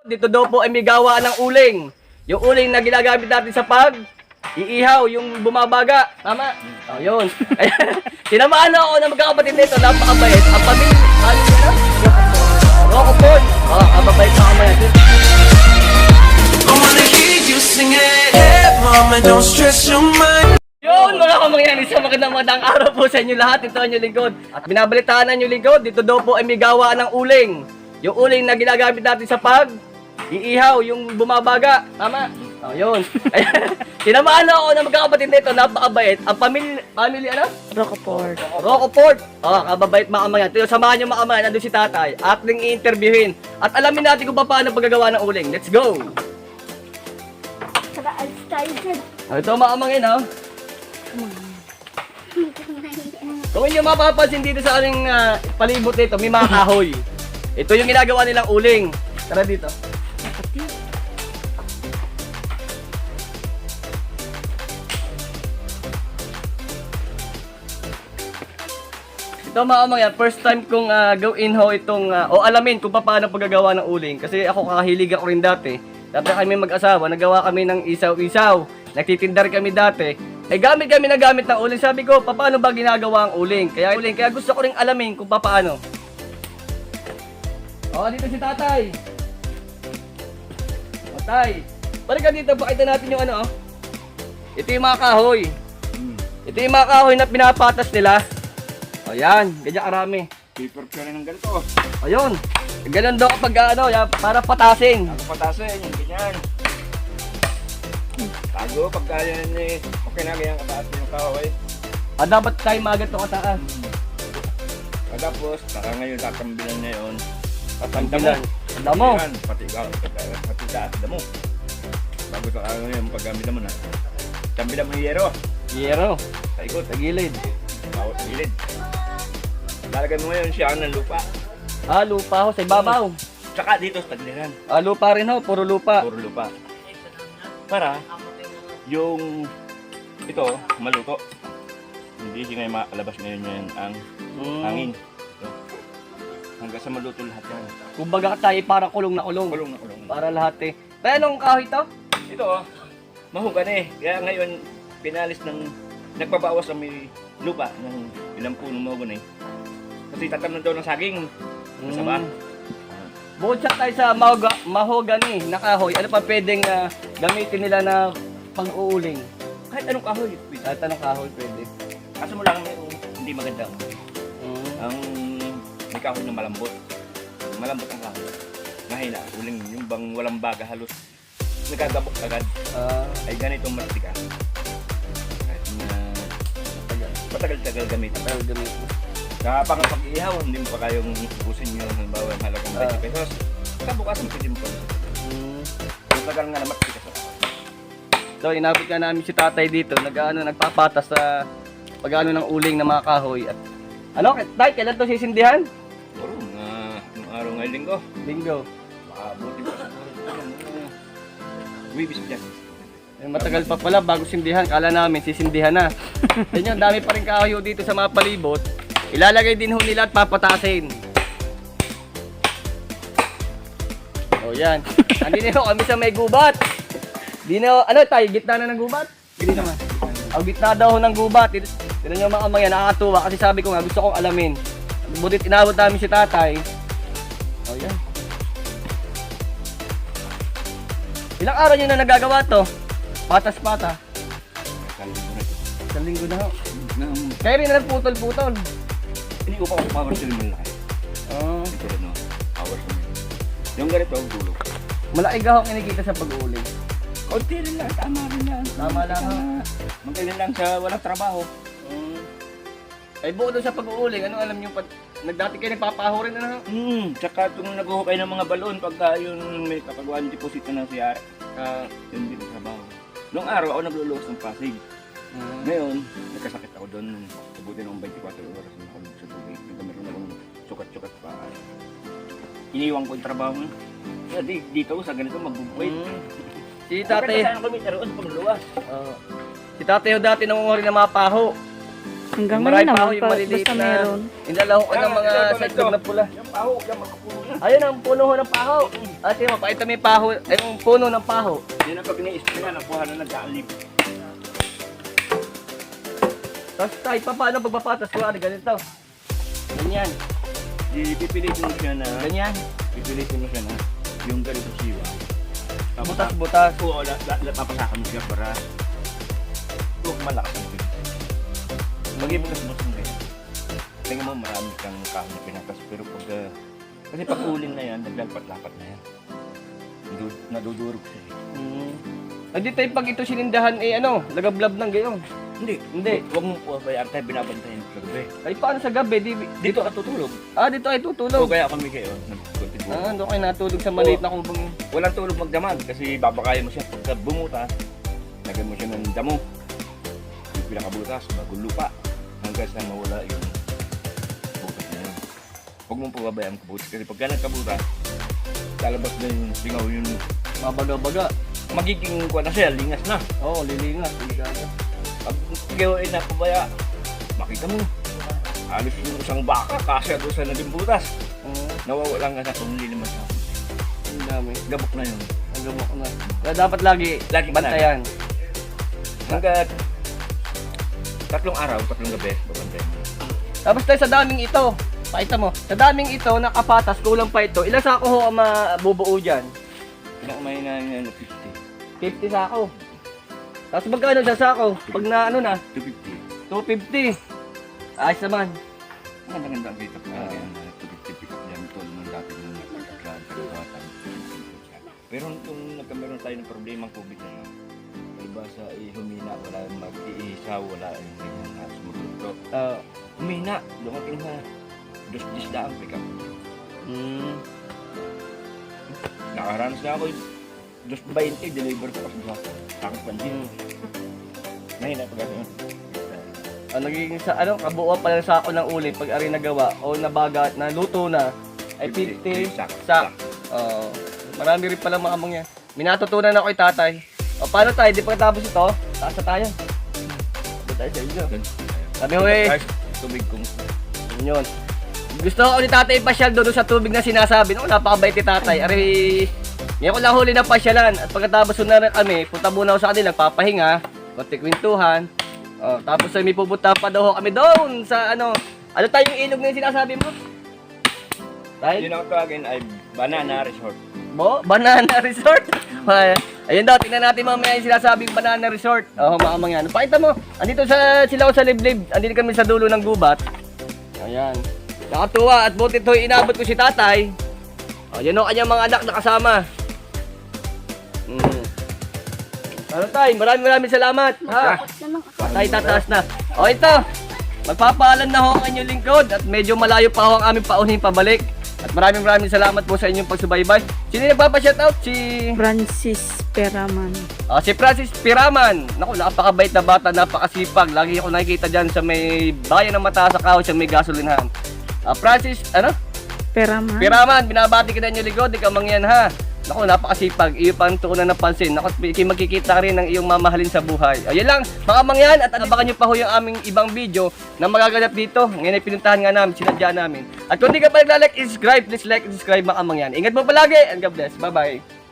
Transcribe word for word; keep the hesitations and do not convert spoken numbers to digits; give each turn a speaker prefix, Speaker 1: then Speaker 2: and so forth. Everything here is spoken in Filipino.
Speaker 1: Dito daw po ay may gawa ng uling. Yung uling na ginagamit natin sa pag iihaw, yung bumabaga. Tama? Oh, yun. Tinamaan na ako ng magkakapatid nito. Napakabait. Ang pamilya, ano yun na? Rockaport. Oh, kababait na kamay.
Speaker 2: I wanna hear you sing it. Hey, mama, don't stress your mind.
Speaker 1: Yun, mga kamangyan, isang magandang magandang araw po sa inyo lahat. Ito ang inyong lingkod. At binabalitaan ang inyong lingkod, dito daw po ay may gawa ng uling. Yung uling na ginagamit natin sa pag iihaw, yung bumabaga. Tama? Oh, yun. Tinamaan na ako ng magkakapatid nito. Napakabait. Ang pamilya, pamilya ano?
Speaker 3: Rockaport.
Speaker 1: Rockaport. Oh, kababait mga kamangyan. Ito, samahan nyo mga kamangyan. Nandun si tatay. Ating i-interviewin. At alamin natin kung paano paggagawa ng uling. Let's go!
Speaker 3: Tara, alis tayo dyan.
Speaker 1: Oh, ito mga kamangyan, oh. Kung inyo mapapansin dito sa aming uh, palibot nito, may mga kahoy. Ito yung ginagawa nilang uling. Tara dito. Ito mga kamangyan, first time kong uh, gawin ho itong, uh, o alamin kung paano paggagawa ng uling. Kasi ako kakahilig ako rin dati. Dati kami mag-asawa, nagawa kami ng isaw-isaw. Nagtitindar kami dati. Eh gamit kami na gamit ng uling. Sabi ko, paano ba ginagawa ang uling? Kaya uling, kaya gusto ko ring alamin kung paano. Oh, dito si tatay. O tay, balik ka dito, pakita natin yung ano. Oh. Ito yung mga kahoy. Ito yung mga kahoy na pinapatas nila. O yan, ganyan karami.
Speaker 4: Paper ka rin ng ganito.
Speaker 1: Ayun, ganun daw kapag ano, yan, para patasin.
Speaker 4: Ako patasin, yung ganyan. Tago, pagka yan eh, okay na ganyan kataas yung kahoy.
Speaker 1: Ah, dapat tayo magat to kataas.
Speaker 4: Tapos, saka ngayon tatambilan na yun. Tatanda mo.
Speaker 1: Tanda mo.
Speaker 4: Yan, pati ka, pati taas damo. Bago sa ano yung paggamit mo na. Tambilan mo yung yero.
Speaker 1: Yero,
Speaker 4: Sa ikot,
Speaker 1: sa gilid.
Speaker 4: bawat gilid. Lalagay mo ngayon siya ng lupa.
Speaker 1: Ah, lupa ho, sa ibabaw.
Speaker 4: Tsaka dito sa tagliran.
Speaker 1: Ah, lupa rin ho, puro lupa.
Speaker 4: Puro lupa. Para yung ito maluto. Hindi siya ngayon makalabas ngayon yan ang
Speaker 1: Mm.
Speaker 4: hangin. Ito. Hanggang sa maluto lahat yan.
Speaker 1: Kumbaga tayo para kulong na kulong.
Speaker 4: Kulong na kulong.
Speaker 1: Para lahat eh. Tayo anong kahoy to?
Speaker 4: Ito oh, mahugan eh. Kaya ngayon pinalis ng nagpabawas sa may lupa ng ilang punong mahugan eh. Kasi tatamnan daw ng saging. Masama.
Speaker 1: Mm. Bukod sa tayo sa mahoga, mahogani na kahoy, ano pa pwedeng uh, gamitin nila na pang-uuling?
Speaker 4: Kahit anong kahoy.
Speaker 1: Kahit anong kahoy pwede.
Speaker 4: Kaso mo lang yung hindi maganda.
Speaker 1: Mm.
Speaker 4: Ang may kahoy na malambot. Malambot ang kahoy. Mahina. Uling yung bang walang baga halos. Nagagabok agad.
Speaker 1: Ah,
Speaker 4: Ay ganito matika. Kahit na matagal-tagal gamitin.
Speaker 1: tayo gamitin.
Speaker 4: Sa pangapag-ihaw, hindi mo pa kayong ubusin yung halimbawa yung halagang twenty pesos. Sa bukas, pwede mo pa.
Speaker 1: Mm.
Speaker 4: Matagal nga na matika sa
Speaker 1: So, inabot ka namin si tatay dito, nag-ano, nagpapatas sa pag-ano ng uling ng mga kahoy. At ano, tay, kailan to sisindihan?
Speaker 4: Puro, mga anong araw ngayong linggo.
Speaker 1: Linggo.
Speaker 4: Makabuti pa sa Wibis dyan.
Speaker 1: Eh, matagal pa pala bago sindihan. Kala namin sisindihan na. Yan yun, dami pa rin kahoy dito sa mga palibot. Ilalagay din ho nila at papatasin. O yan. Andito ho kami sa may gubat. Di na, ano tayo, gitna na ng gubat? Hindi naman. Ang gitna daw ho ng gubat. Tinan nyo mga kamangyan, nakakatuwa kasi sabi ko nga gusto kong alamin. Butit inabot namin si tatay. O yan. Ilang araw nyo na nagagawa to? Patas-pata.
Speaker 4: Kalinggo na ito.
Speaker 1: Sa linggo na ho.
Speaker 4: Nang
Speaker 1: Kaya rin na nagputol-putol.
Speaker 4: hindi ko pa kung power sila mo laki.
Speaker 1: Oh.
Speaker 4: Ito rin no, power sila. Yung ganito ang dulo.
Speaker 1: Malaki gahong kinikita sa pag-uuling.
Speaker 4: Kunti rin lang, tama rin lang.
Speaker 1: Tama lang, ha?
Speaker 4: Magaling lang sa walang trabaho.
Speaker 1: Mm. Ay buo doon sa pag-uuling, ano alam nyo, pag nagdati kayo nagpapaho rin na no?
Speaker 4: Hmm, tsaka kung naghuhukay ng mga balon pagka yun may kapagawa ng deposito ng C R, uh, yun din ang trabaho. Noong araw ako nagluluwas ng Pasig.
Speaker 1: Mm.
Speaker 4: Ngayon, nagkasakit ako doon. Sabuti ng twenty-four oras na ako sa tubig. Nagkameron akong sukat-sukat pa. Iniwan ko yung trabaho. Kaya di, dito sa ganito magbubuhay.
Speaker 1: Mm. Si
Speaker 4: Tatay.
Speaker 1: tatay,
Speaker 4: Saan kami naroon sa pagluluwas?
Speaker 1: uh, si tatay ho dati nangunguha rin ng mga paho.
Speaker 3: Hanggang
Speaker 1: Yung marami
Speaker 3: ngayon
Speaker 1: pa ako,
Speaker 3: naman,
Speaker 1: yung
Speaker 3: pa,
Speaker 1: maliliit
Speaker 3: basta
Speaker 1: na
Speaker 3: meron.
Speaker 1: inalaw ko ng mga
Speaker 4: Yan,
Speaker 1: sa
Speaker 4: ito,
Speaker 1: itlog na pula.
Speaker 4: Yung paho, yung makapuno na.
Speaker 1: Ayun ang puno ho ng paho. Ate mo, pakita mo yung paho, ay yung puno ng paho.
Speaker 4: Yan ang pag ni-spray na, nakuha na nag-aalib.
Speaker 1: Tapos tayo, pa, paano pagpapatas ko? Ano, ganito. Ganyan.
Speaker 4: Ipipilitin mo siya na,
Speaker 1: Ganyan.
Speaker 4: pipilitin mo siya na, yung ganito siwa.
Speaker 1: Butas-butas.
Speaker 4: Oo, la, la, la, papasakan mo siya para huwag malakas ang pin. Maging bukas-bukas mo ganyan. Tingnan mo, marami kang kahon na pinatas, pero pag, uh, kasi pag uling na yan, naglalpat-lapat na yan. Nadu- Nadudurog siya. eh.
Speaker 1: Hmm. Hindi tayo pag ito sinindahan, eh ano, lagablab ng gayon.
Speaker 4: Hindi,
Speaker 1: Hindi.
Speaker 4: Huwag mo po bayaan tayo, binabantayan sa gabi.
Speaker 1: Ay, paano sa gabi? Di,
Speaker 4: Dito ka tutulog.
Speaker 1: ah, dito ay
Speaker 4: O
Speaker 1: tutulog.
Speaker 4: kaya kami kayo, nagkontibo.
Speaker 1: Ah, doon kayo natulog sa maliit na kubang.
Speaker 4: Walang tulog magdamag kasi babakayan mo siya pagka bumutas, lagyan mo siya ng damo. Yung pinakabutas, bagong lupa. Hanggang sa mawala yung butas na yun. Huwag mong pababayaan kabutas kasi pagka nagkabutas, lalabas na yung singaw yung
Speaker 1: Mabaga-baga.
Speaker 4: magiging kuha na siya, lingas na.
Speaker 1: Oo, oh, lilingas. Lilingas.
Speaker 4: Pag gawin na pabaya, makita mo, halos yung isang baka kasya doon sa naging butas.
Speaker 1: Oo,
Speaker 4: Nawawala nga sa kung hindi naman siya.
Speaker 1: ang dami.
Speaker 4: Gabok na yun.
Speaker 1: Ang gamok na. Kaya dapat lagi,
Speaker 4: Lagi
Speaker 1: bantayan.
Speaker 4: Hanggat tatlong araw, tatlong gabi, babantayan mo.
Speaker 1: Tapos tayo sa daming ito. Pakita mo. Sa daming ito, nakapatas, kulang pa ito. Ilang sako ho ang mabubuo dyan?
Speaker 4: Ilang may na na fifty.
Speaker 1: fifty sako. Tapos magkano sa sako? Pag na ano na,
Speaker 4: two fifty.
Speaker 1: two fifty. Ayos naman.
Speaker 4: Ang maganda ang kita pa yan. two fifty pick up yan. Ito nung dati nung nagkaklaan sa kawatan. Pero nung nagkameron tayo ng problema ng COVID na yun, diba sa eh, humina, wala yung mag-iisaw, wala yung ganyan na sumuturo.
Speaker 1: Ah,
Speaker 4: Humina, dumating na dos-dis na ang pick up.
Speaker 1: mm,
Speaker 4: Nakaranas na ako yung dos twenty deliver ko kasi sa takot pansin.
Speaker 1: mm.
Speaker 4: Mahina pag ano.
Speaker 1: Ah, nagiging sa ano, kabuuan pa lang sako ng uli pag ari nagawa o nabaga, naluto na ay fifty
Speaker 4: sak.
Speaker 1: sak. Oo. Marami rin pala mga amang yan. Minatutunan ako kay tatay. O paano tayo? Di pagkatapos ito, taas na tayo. Sabi tayo sa inyo. Sabi ko eh,
Speaker 4: Tubig kong
Speaker 1: yun. Gusto ko ni tatay pasyal doon sa tubig na sinasabi. No, napakabait ni tatay. Ari, ngayon ko lang huli na pasyalan. At pagkatapos na rin kami, punta muna ako sa kanila, papahinga, konti kwentuhan. Oh, tapos ay may pupunta pa daw kami doon sa ano. Ano tayo yung ilog na yung sinasabi mo? Tayo?
Speaker 4: yun ang tawagin ay Banana Resort.
Speaker 1: Bo, Banana Resort. Ay, ayun daw, tingnan natin mamaya yung sinasabing Banana Resort. Oo, mga mga yan. Pakita mo, andito sa sila ko sa liblib. Andito kami sa dulo ng gubat. Ayan. Nakatuwa at buti ito inabot ko si tatay. O, yan o kanyang mga anak na kasama. Mm. Ano tayo? Maraming maraming salamat. Ha? Tayo tataas na. O ito, magpapaalam na ho ang inyong lingkod at medyo malayo pa ho ang aming paunin pabalik. At maraming maraming salamat po sa inyong pagsubaybay. Sino yung nagpapa-shoutout? Si...
Speaker 3: Francis Peraman.
Speaker 1: Ah, si Francis Piraman. Naku, napakabait na bata, napakasipag. Lagi ako nakikita dyan sa may bayan ng mata sa kahoy, sa may gasolinahan. Ah, Francis, ano?
Speaker 3: Peraman.
Speaker 1: Piraman, binabati kita niyo ligod, ikaw mangyan ha. Naku, napakasipag. Iyo pang tukunan ng pansin. Naku, magkikita rin ng iyong mamahalin sa buhay. Ayun lang, mga mangyan, at abangan nyo pa ho yung aming ibang video na magaganap dito. Ngayon ay pinuntahan nga namin, sinadya namin. At kung di ka pa naglalike, subscribe, please like and subscribe mga mangyan. Ingat mo palagi, and God bless. Bye-bye.